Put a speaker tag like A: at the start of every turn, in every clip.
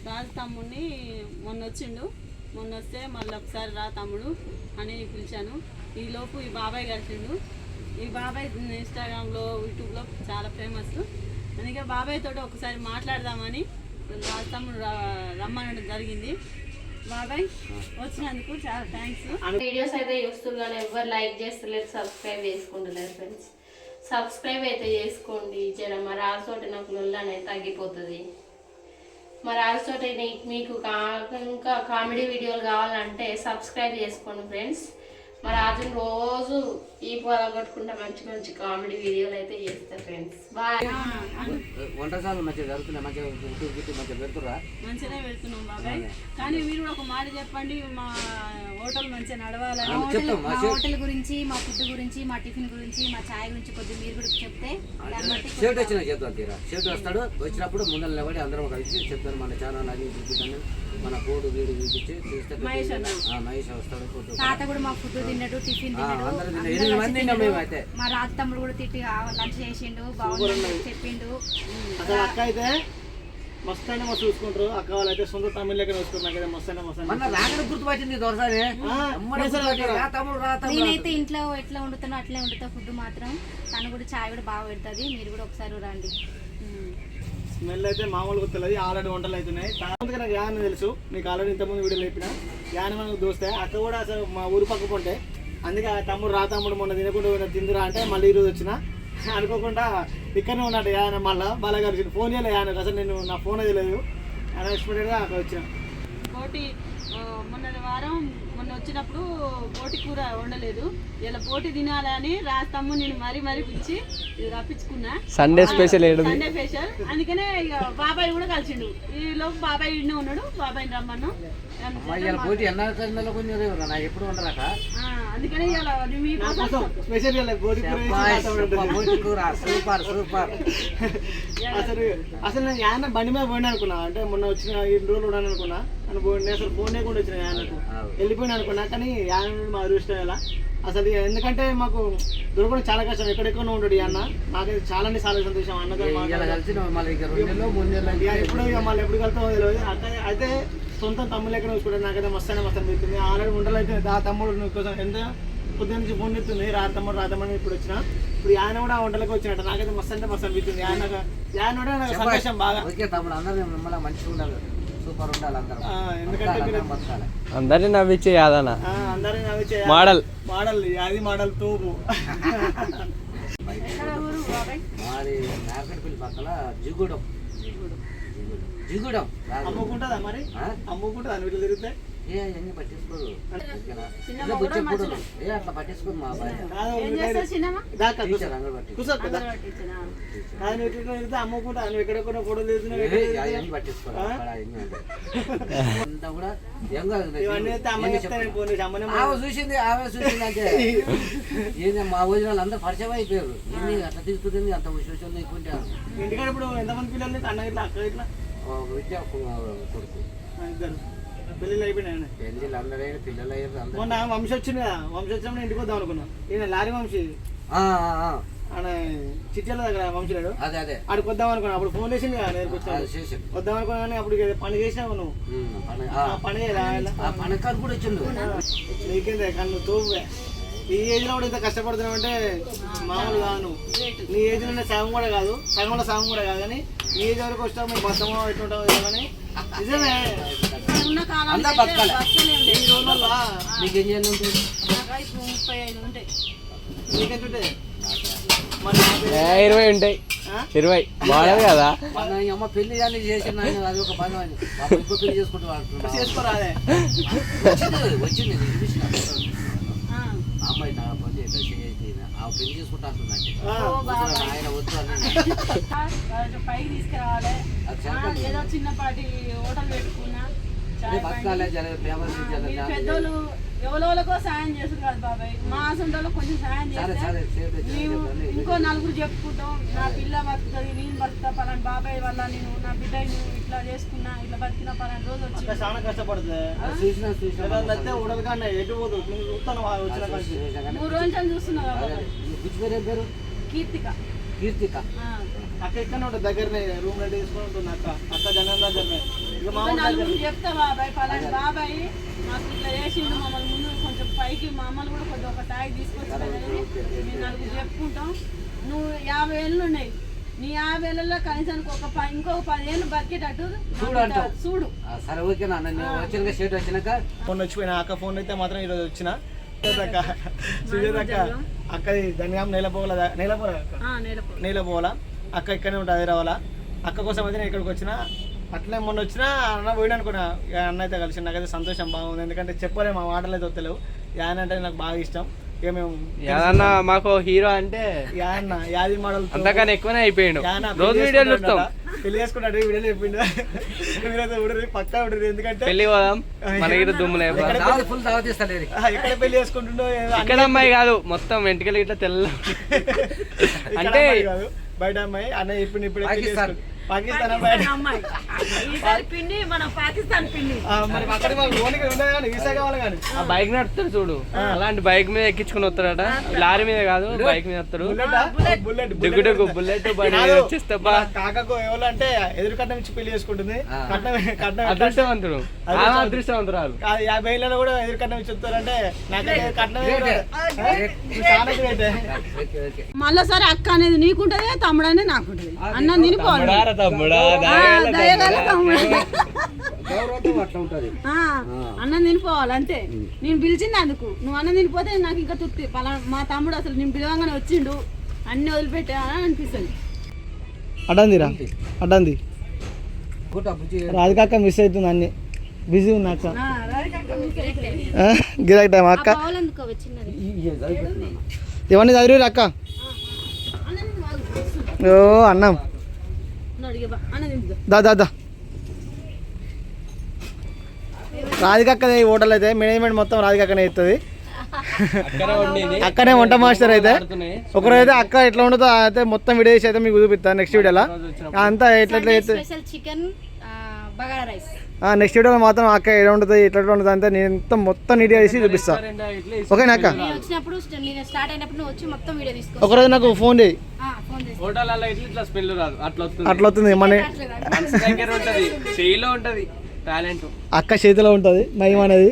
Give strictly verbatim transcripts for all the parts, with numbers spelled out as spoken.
A: రాజు తమ్ముడిని మొన్న వచ్చిండు, మొన్న వస్తే మళ్ళీ ఒకసారి రా తమ్ముడు అని పిలిచాను. ఈలోపు ఈ బాబాయ్ కలిసిండు. ఈ బాబాయ్ ఇన్స్టాగ్రామ్లో యూట్యూబ్లో చాలా ఫేమస్. అందుకే బాబాయ్ తోటి ఒకసారి మాట్లాడదామని రాజు తమ్ముడు రమ్మనడం జరిగింది. బాబాయ్ వచ్చినందుకు చాలా థ్యాంక్స్.
B: వీడియోస్ అయితే చూస్తున్నారు, ఎవరు లైక్ చేస్తలేరు, సబ్స్క్రైబ్ చేసుకుంటలేరు ఫ్రెండ్స్. సబ్స్క్రైబ్ అయితే చేసుకోండి. జర మా రాజుతోటి నాకు లొల్లు అనేది తగ్గిపోతుంది. మా రాజుతోటి మీకు కా ఇంకా కామెడీ వీడియోలు కావాలంటే సబ్స్క్రైబ్ చేసుకోండి ఫ్రెండ్స్. మా రాజుని రోజు ఈ పొల కొట్టుకుంటా మంచి మంచి కామెడీ వీడియోలు అయితే చేస్తారు ఫ్రెండ్స్. బాయ్.
C: వంటశాలలు మంచిగా జరుగుతున్నాయి, మంచిగా మంచిగా పెడుతురా?
A: మంచిగానే పెడుతున్నాం బాబాయ్. కానీ మీరు కూడా ఒక మాట చెప్పండి, మా హోటల్ మంచిగా నడవాలని.
D: మా హోటల్ గురించి, మా ఫుడ్ గురించి, మా టిఫిన్ గురించి, మా ఛాయ్ గురించి కొద్దిగా మీరు కూడా చెప్తే
C: షేట్ వచ్చినా చెప్తాను. తీరా షేట్ వస్తాడు, వచ్చినప్పుడు ముందర నిలబడి అందరం కలిసి చెప్తాను. మన ఛానల్ అది చూపిస్తాను, మన కోడు వీడు చూపించి చూస్తే మహేష్ వస్తాడు.
D: తాత కూడా మా ఫుడ్ తిన్నాడు, టిఫిన్ తిన్నాడు. మా రాజు తమ్ముడు కూడా తిట్టి లంచ్ చేసిండు, బాగుంది చెప్పిండు.
E: అసలు అక్క అయితే మస్తు అయినా మస్తు చూసుకుంటారు. అక్క వాళ్ళు అయితే సొంత తమిళ లెక్క చూసుకుంటున్నారు. మస్తు అయినా మస్తు
C: గుర్తుపట్టింది.
D: నేనైతే ఇంట్లో ఎట్లా వండుతానో అట్లే వండుతా ఫుడ్ మాత్రం. తను కూడా చాయ్ కూడా బాగా పెడుతుంది. మీరు కూడా ఒకసారి రండి.
E: స్మెల్ అయితే మామూలుగా తెలియదు. ఆల్రెడీ వంటలు అవుతున్నాయి. తర్వాత నాకు యాన్ తెలుసు, మీకు ఆల్రెడీ ఇంతకుముందు వీడియోలు చెప్పిన. యాన్ మనకు దోస్తాయి. అక్క కూడా అసలు మా ఊరు పక్కకుంటే, అందుకే ఆ తమ్ముడు రా తమ్ముడు మొన్న తినకుండా తిందురా అంటే మళ్ళీ ఈరోజు వచ్చిన అనుకోకుండా ఇక్కడనే ఉన్నట్టు యాన. మళ్ళీ బాగా కలిసి ఫోన్ చేయలేదు యానకు, అసలు నేను నా ఫోన్ తెలియదు. అన్ఎక్స్పెక్టెడ్గా అక్కడ వచ్చిన.
A: పోటీ మొన్న వారం మొన్న వచ్చినప్పుడు పోటీ కూర వండలేదు. ఇలా పోటీ తినాలని రాస్తాము. నేను మరీ మరీ పిలిచి ఇది రప్పించుకున్నా.
F: Sunday special
A: Sunday special. అందుకనే ఇక బాబాయ్ కూడా కలిసిండు. ఈ లోపు బాబాయ్ ఇండే ఉన్నాడు. బాబాయ్ రమ్మను.
C: ఎప్పుడు ఉండరాక
A: అందుకనే
E: స్పెషల్
C: సూపర్ సూపర్.
E: అసలు అసలు నేను యాన బండి మీద పోయినా అనుకున్నా. అంటే మొన్న వచ్చిన రెండు రోజులు ఉన్నాను అనుకున్నా. నేను అసలు ఫోన్ లేకుండా వచ్చిన యానకు వెళ్ళిపోయినా అనుకున్నా. కానీ యాన మా అదృష్టం ఎలా అసలు. ఎందుకంటే మాకు దొరకడం చాలా కష్టం. ఎక్కడెక్కడ ఉండడు అన్న. నాకైతే చాలా చాలా సంతోషం. అన్నతో ఎప్పుడు మళ్ళీ ఎప్పుడు కలుతామో తెలియదు. అయితే సొంత తమ్ముళ్ళు ఎక్కడ చూసుకుంటారు. నాకైతే మస్తు మస్తు అనిపిస్తుంది. ఆల్రెడీ ఉండలు అయితే ఆ తమ్ముడు కోసం ఎంత పొద్దున్న నుంచి ఫోన్ చెప్తుంది. రా తమ్ముడు రా తమ్ముడు ఇప్పుడు వచ్చిన. ఇప్పుడు ఆయన కూడా ఆ వంటలకు వచ్చినట్టు నాకైతే మస్తు అంటే మస్తు అనిపిస్తుంది. ఆయన ఆయన కూడా నాకు సంతోషం బాగా.
C: మంచిగా ఉండాలి, సూపర్ ఉండాలి అందరూ.
E: ఎందుకంటే
F: అందరినీ నవ్వించే యాదన్న
E: అందరినీ నవ్వించే
F: మోడల్
E: మోడల్ అది మోడల్ తూపు.
C: మాది నాగడిపల్లి పక్కల జిగూడెం. జిగూడెం
E: అమ్ముకుంటుందా మరి? అమ్ముకుంటుందా వీళ్ళు తిరిగితే?
C: ఏ అన్ని పట్టించుకోదు. ఏ అట్లా పట్టించుకోదు మా బాయ్.
E: అమ్ముకుంటా ఎక్కడెక్కడ ఫోటోలు తీస్తున్నావు
C: పట్టించుకోదు. చూసింది ఆమె చూసింది అంటే ఏంది మా వదిన అందరూ పరిచయం అయిపోయారు. ఎన్ని అట్లా తీసుకుంటుంది అంత సోషల్ ఎక్కుంటారు.
E: ఇంటికాడ ఇప్పుడు ఎంతమంది పిల్లలు అన్న ఇట్లా అక్క ఇట్లా
C: విద్య కొడుకు
E: ఇద్దరు పెళ్ళిళ్ళు అయిపోయినాయి.
C: పెళ్ళిళ్ళు అందరూ పిల్లలు అయ్యారు.
E: మొన్న వంశీ వచ్చింది కదా, వంశీ వచ్చినప్పుడు ఇంటికి వద్దాం అనుకున్నాం. ఈయన లారీ వంశీ ఆయన చిట్యాల దగ్గర వంశీ లేడు,
C: అదే అదే
E: ఆడికి వద్దాం అనుకున్నా. అప్పుడు ఫోన్ చేసింది కదా నేర్పించాను వద్దాం అనుకున్నా. కానీ అప్పుడు పని చేసినావు నువ్వు. పని
C: పనకాలు కూడా వచ్చిండు.
E: నీకేందే కానీ నువ్వు తోపుగా ఈ ఏజ్ లో కూడా ఇంత కష్టపడుతున్నావు అంటే మామూలు కాదు. నీ ఏజ్ లో సగం కూడా కాదు, సగంలో సగం కూడా కాదు. కానీ నీ ఏజ్ వరకు వస్తావు మేము బస్తమో ఎట్లుంటావు కానీ నిజమే.
F: ఇరవై ఉంటాయి, ఇరవై బాగాలేదు కదా.
C: అమ్మ పెళ్లి చేసిన అది ఒక పని ఇంకో పెళ్లి చేసుకుంటూ
E: చేసుకోరాదే
C: వచ్చింది. అమ్మాయి నా పని ఆ పెళ్లి చేసుకుంటా అంటుందంటే ఆయన వద్దు అని
A: పైకి తీసుకురావాలి. ఏదో చిన్నపాటి హోటల్ పెట్టుకున్నా. పెద్దోళ్ళు ఎవరోళ్ళకో సాయం చేస్తారు కదా బాబాయ్. మా సొంతలో కొంచెం సాయం చేస్తే ఇంకో నలుగురు చెప్పుకుంటాం. నా పిల్ల బతుకుతుంది, నేను బతుకుతా పలాని బాబాయ్ వల్ల నేను నా బిడ్డ ఇట్లా చేసుకున్నా, ఇట్లా బతికిన పలాని రోజు వచ్చి
E: చాలా కష్టపడుతుంది.
A: మూడు రోజులు చూస్తున్నా బాబాయ్. కీర్తిక
C: కీర్తిక
E: అక్క ఎక్కడ ఉంటుంది దగ్గరనే రూమ్ రెడీ చేసుకుని ఉంటుంది. అక్క అక్క జనం దగ్గరనే ఇక
A: ఇంకా
E: మామూలు
A: నలుగురు చెప్తా బాబాయ్ పలాంటి బాబాయ్ మాకు ఇట్లా చేసిండు మమ్మల్ని ముందు కొంచెం పైకి మమ్మల్ని కూడా కొంచెం ఒక స్థాయికి తీసుకొచ్చిందని మేము నలుగురు చెప్పుకుంటాం. నువ్వు యాభై ఏళ్ళు ఉన్నాయి, నీ యాభై ఏళ్ళలో కనీసానికి ఒక ప- ఇంకొక పదిహేళ్ళు బతికేటట్టు
C: చూడు
A: నాకు
C: అంటావు.
A: చూడు.
C: ఆ, సరే ఓకేనా నేను వచ్చినాక షర్ట్ వచ్చినాక
E: ఫోన్ వచ్చిపోయినా అక్క ఫోన్ అయితే మాత్రం ఈరోజు వచ్చిన సుజాత సుజాత అక్క అక్కది ధనియాం నేలపోల నేలపోల అక్క
A: ఆ, నేలపో
E: నేలపోల అక్క ఇక్కడనే ఉంటుంది హైదరాబాద్. అక్క కోసం అయితే నేను ఇక్కడికి వచ్చిన. అట్లే మొన్న వచ్చినా అన్న పోయినా అనుకున్నా, ఇక అన్న అయితే కలిసి నాకైతే సంతోషం బాగుంది. ఎందుకంటే చెప్పలేము మా మాటలు అయితే వస్తలేవు. యాన్ అంటే నాకు బాగా ఇష్టం. ఇక మేము
F: ఏదన్నా మాకు హీరో అంటే
E: యాన్న యాది మోడల్
F: అంతకన్నా ఎక్కువనే అయిపోయాడు. రోజు వీడియోలు చూస్తాం.
E: పెళ్లి చేసుకుంటాడు వీడియోలు చెప్పిండు. మీరైతే ఉడరు పక్కా ఉడరు. ఎందుకంటే
F: పెళ్లి పోదాం మనకి దుమ్ములే.
C: ఫుల్ దావత్ ఇస్తాను
E: ఎక్కడ పెళ్లి చేసుకుంటుండో
F: ఇక్కడ అమ్మాయి కాదు మొత్తం వెంటకలు ఇట్లా తెల్ల అంటే
E: కాదు బయట అమ్మాయి అన్న ఇప్పుడు ఇప్పుడు
C: పాకిస్తాన్.
E: పాకిస్తాన్ అమ్మాయి.
A: అమ్మాయి ఈసారి పిండి మనం పాకిస్తాన్ పిండి.
E: ఆ, మరి అక్కడ మాకు ఓనికి ఉండదు కానీ వీసా కావాలి కానీ
F: ఆ బైక్ నడుపుతాడు చూడు, అలాంటి బైక్ మీద ఎక్కించుకుని వస్తాడట. లారీ మీద కాదు బైక్ మీద వస్తాడు.
E: బుల్లెట్ బుల్లెట్
F: డుగ్గు డుగ్గు బుల్లెట్ బండి మీద వచ్చేస్తా.
E: కాకకు ఎవరు అంటే ఎదురు కట్నం ఇచ్చి పెళ్లి చేసుకుంటుంది. కట్నం కట్నం ఎట్లా-
F: అదృష్టవంతుడు ఆమె అదృష్టవంతురాలు.
E: కాదు, యాభై ఏళ్ళలో కూడా ఎదురు కట్నం ఇచ్చి వస్తారంటే నాకైతే కట్నం
C: Great.
E: చాలా గ్రేట్.
A: మళ్ళీసారి అక్క అనేది నీకుంటది, తమ్ముడు అనేది నాకుంటది. అన్నం తినిపోవాలి.
F: తమ్ముడా తమ్ముడా
A: ఆ, దయగల తమ్ముడు.
C: గౌరవం అట్లా ఉంటుంది.
A: ఆ, అన్నం తినిపోవాలి అంతే. నేను పిలిచింది అందుకు. నువ్వు అన్నం తినిపోతే నాకు ఇంకా తృప్తి. పలా మా తమ్ముడు అసలు నేను పిలవంగానే వచ్చిండు, అన్ని వదిలిపెట్టా అని అనిపిస్తుంది.
E: అడ్డందిరా అడ్డంది
C: గుట్ట బుజ్జి
E: రాధికాక మిస్ అవుతుంది. అన్ని బిజీ ఉంది అక్క.
A: ఆ, రాధికక్క మీకే.
E: గిరాక్ టైం అక్క.
D: పావులందుకో వచ్చినది.
E: ఇవన్నీ చదివి అక్క.
A: అన్నం తిని వాళ్ళు.
E: ఓ అన్నం
A: ఉన్నాడు ఇక బా, అన్నం తింటుందా.
E: దా దా దా రాధికక్క హోటల్ అయితే మేనేజ్మెంట్ మొత్తం రాధికక్కనే ఇస్తుంది.
F: అక్కడే వండింది.
E: అక్కడే వంట మాస్టర్ అయితే ఒకరైతే అక్క ఎట్లా ఉండదో అయితే మొత్తం వీడియో చేసి అయితే మీకు చూపిస్తాను నెక్స్ట్ వీడియోలో. అంతా ఎట్లా ఎట్లా అయితే
D: special chicken bagara rice.
E: Next వీడియోలో మాత్రం అక్క ఎట్లా ఉంటుంది ఎట్లా ఎట్లా ఉంటుంది అంతే నేను మొత్తం మొత్తం నీట్గా చేసి చూపిస్తా. ఓకేనా అక్క?
D: నేను వచ్చినప్పుడు నేను స్టార్ట్ అయినప్పుడు నువ్వు వచ్చి మొత్తం వీడియో తీసుకో.
E: ఒకరోజు నాకు ఫోన్ చేయి.
D: ఫోన్ చేసి
F: హోటల్ ఇట్లా ఇట్లా స్మెల్ రాదు, అట్లా వస్తుంది.
E: అట్లా వస్తుంది మన
F: మనసు దగ్గర ఉంటది, చెయ్యిలో ఉంటది టాలెంట్.
E: అక్క చేతిలో ఉంటుంది మహిమ అనేది.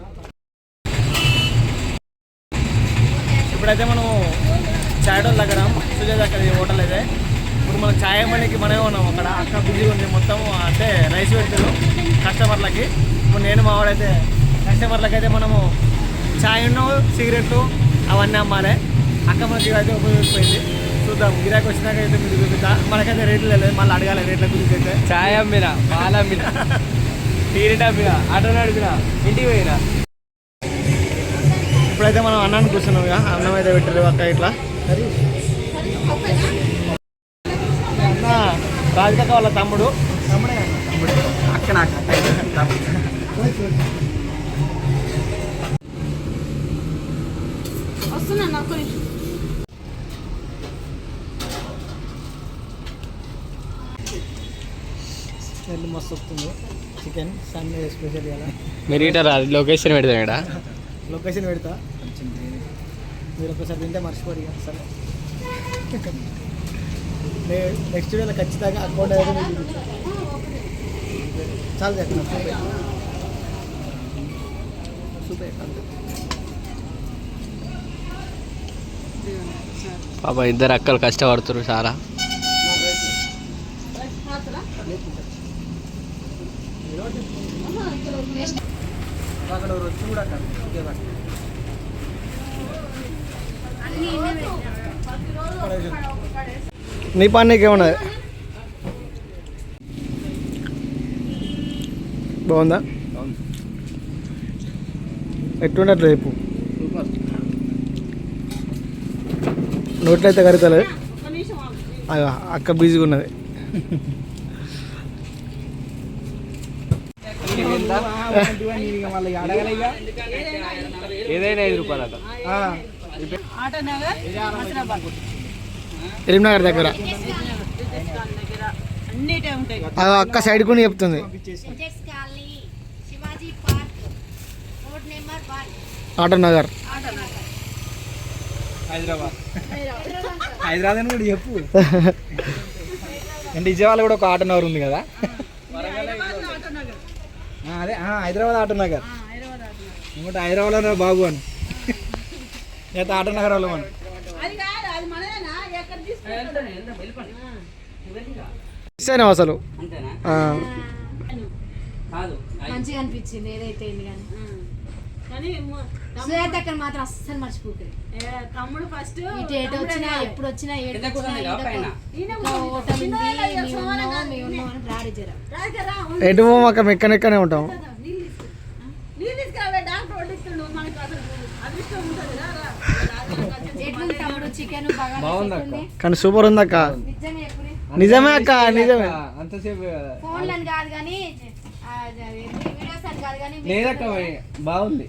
E: ఇప్పుడైతే మనం చాయ్ హోటల్ దగ్గర సుజాత అక్కడ హోటల్ అయితే ఇప్పుడు మనం చాయ్ మనకి మనమే ఉన్నాం అక్కడ. అక్క బిజీగా ఉంది మొత్తం అంటే రైస్ పెడతారు కస్టమర్లకి. ఇప్పుడు నేను మావాడైతే కస్టమర్లకి అయితే మనము చాయ్ ఉన్న సిగరెట్లు అవన్నీ అమ్మాలి. అక్క మనకి అయితే ఉపయోగపోయింది. చూద్దాం గిరాకి వచ్చినాక అయితే మీకు చూపిస్తా. మనకైతే రేట్లు లేదు, మళ్ళీ అడగాలి రేట్ల గురించి అయితే.
F: చాయ్ అమ్మిన, పాలు అమ్మిన, టీరెట్ అమ్మిన, ఆటో నడిపిన, ఇంటికి పోయినా.
E: ఇప్పుడైతే మనం అన్నాన్ని కూర్చున్నాం ఇక. అన్నం అయితే పెట్టారు అక్క ఇట్లా. అన్న రాధికక్క వాళ్ళ తమ్ముడు. తమ్ముడే తమ్ముడు అక్క నాకు
A: వస్తున్నా నాకు
E: స్మెల్ మస్తు వస్తుంది. చికెన్ సండే స్పెషల్ కదా.
F: మీరు ఇట రాదు, లొకేషన్ పెడతాం ఇక్కడ.
E: లొకేషన్ పెడతా, మీరు ఒకసారి తింటే మర్చిపోరు ఇక. సరే నెక్స్ట్ వీడియోలో ఖచ్చితంగా అకౌంట్ అయితే మీకు చూపిస్తా. చాలా చెప్పిన సూపర్
F: పాప ఇద్దరు అక్కలు కష్టపడుతున్నారు చాలా.
E: అక్కడ వచ్చి కూడా అక్కడ నీ పని నీకేమున్నది. బాగుందా? ఎట్లుండట్లేదు రేపు నోట్లో అయితే కరుగుతలేదు. అక్క బిజీగా ఉన్నది.
F: ఏదైనా ఐదు రూపాయలు అట.
A: ఆటో నగర్ హైదరాబాద్
E: ఎలిమినగర్ దగ్గర
A: దగ్గర అన్నిటే ఉంటాయి.
E: ఆ అక్క సైడ్ కొని చెప్తుంది.
D: Shivaji park road number one
E: auto Nagar
F: Hyderabad.
E: Hyderabad అని కూడా చెప్పు. అంటే విజయవాడ కూడా ఒక ఆటో నగర్ ఉంది కదా.
A: హైదరాబాద్ ఆటో నగర్
E: అదే హైదరాబాద్ ఆటో నగర్
A: హైదరాబాద్ ఆడుతున్నారు
E: ఇంకోటి హైదరాబాద్లో బాబు అని లేదా ఆటో నగర్ వాళ్ళు మనం
A: అది కాదు అది మనదేనా ఎక్కడ తీసుకుంటారు
E: మిస్ అయినావు అసలు
C: అంతేనా
E: ఆ.
C: కాదు
D: మంచిగా అనిపించింది ఏదైతే అయింది కానీ
A: కానీ మ-
D: సుజాత అక్కడ మాత్రం అస్సలు మర్చిపోతుంది
A: ఏ, తమ్ముడు ఫస్ట్
D: ఇటు ఎటు వచ్చినా ఎప్పుడు వచ్చినా ఏడు
C: కింద కూర్చొని రా పైన.
D: ఓటమి ఉంది మేము ఉన్నాం మేము ఉన్నాం అని రాడి జర
E: ఎటు మాకు మెక్కనెక్కనే ఉంటాం
A: నీళ్ళు తీసుకురావే డాక్టర్ వడ్డిస్తుండు మనకి అసలు అదృష్టం ఉంటుంది రా, రా.
D: ఎట్లుంది తమ్ముడు చికెన్ బాగా
E: కానీ సూపర్ ఉంది అక్క
D: నిజంగా ఎప్పుడు
E: నిజమే అక్క నిజమే
F: అంతసేపు
D: ఫోన్లని కాదు కానీ ఆ, అది వీడియోస్ అని కాదు కానీ
F: లేదక్క బాగుంది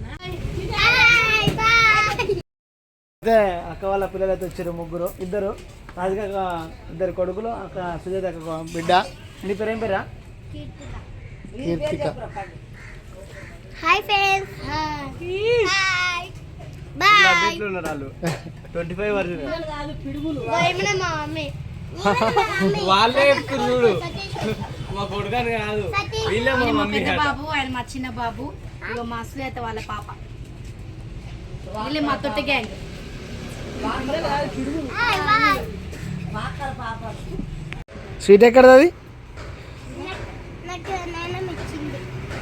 E: అయితే అక్క వాళ్ళ పిల్లలు అయితే వచ్చారు ముగ్గురు ఇద్దరు రాజుక ఇద్దరు కొడుకులు అక్క సుజాత అక్క బిడ్డ నీ పేరు ఏం పేరా Keerthika
G: hi friends hi bye
F: ఉన్నారు వాళ్ళు ట్వంటీ ఫైవ్ వర్షన్
G: ఏమైనా మా మమ్మీ
F: వాళ్ళే చెప్తున్నారు చూడు మా కొడుకని కాదు వీళ్ళే మా
D: ఈయన మా
F: మమ్మీ
D: పెద్ద
F: అట.
D: బాబు ఆయన మా చిన్న బాబు ఇగో మా సుజాత వాళ్ళ పాప వీళ్ళే మా తొట్టి గ్యాంగ్
G: హాయ్ బాయ్
E: స్వీట్ ఎక్కడది అది
G: నాకు నాన్న ఇచ్చింది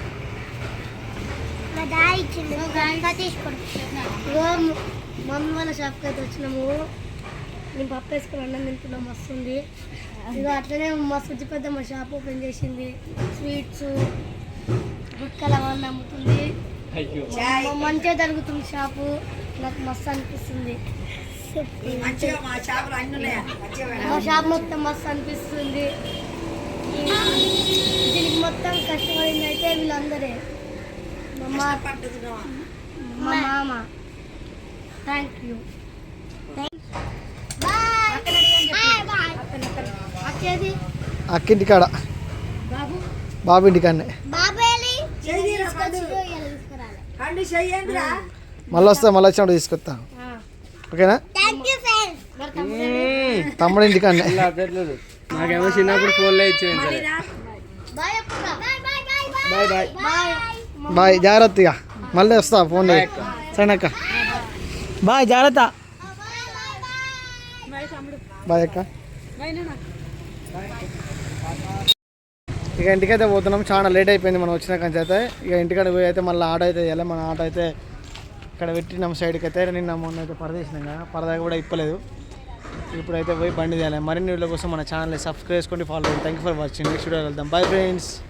G: మా డాడీ ఇచ్చింది ఇంకా తీసుకోండి ఇగో మమ్మీ వాళ్ళ షాప్కి అయితే వచ్చినాము నేను పప్పు వేసుకుని అన్నం తింటున్నాం వస్తుంది ఇక అట్లనే మా సుజ్జి పెద్ద మా షాప్ ఓపెన్ చేసింది స్వీట్స్ గుట్కలు అవన్నీ అమ్ముతుంది
F: అయ్యో
G: మ- మంచిగా జరుగుతుంది షాపు నాకు మస్తు అనిపిస్తుంది మా షాప్ మొత్తం మస్తు అనిపిస్తుంది దీనికి మొత్తం కష్టపడింది అయితే వీళ్ళందరే మా మా మామ థ్యాంక్ యూ వచ్చేది
E: అక్కింటి కాడ
G: బాబు
E: బాబు ఇంటికాడనే
G: బాబేలి
E: మళ్ళీ వస్తా మళ్ళీ వచ్చినప్పుడు తీసుకొస్తా ఓకేనా
G: థ్యాంక్ యూ ఫ్రెండ్స్
E: తమ్ముడు ఇంటికాడనే
F: ఇలా అట్లేదు నాకేమో చిన్నప్పుడు ఫోన్లో ఇచ్చేది సరే
G: బాయ్ అప్పుడా bye bye bye
E: bye bye
G: bye
E: bye జాగ్రత్తగా మళ్ళీ వస్తా ఫోన్ చేయి సరే అక్క బాయ్ జాగ్రత్త బాయ్ అక్క ఇక ఇంటికైతే పోతున్నాం చాలా లేట్ అయిపోయింది మనం వచ్చిన కంచి అయితే ఇక ఇంటికాడ పోయి అయితే మళ్ళీ ఆటో అయితే వెళ్ళాలి మన ఆటో అయితే ఇక్కడ పెట్టినాం సైడ్కి అయితే నిన్న మొన్న అయితే పరదేసినాం కదా పరదా కూడా ఇప్పలేదు ఇప్పుడైతే పోయి బండి తీయాలి మరిన్ని వీడియో కోసం మన ఛానల్ని సబ్స్క్రైబ్ చేసుకోండి follow thank you for watching next video వెళ్దాం బై ఫ్రెండ్స్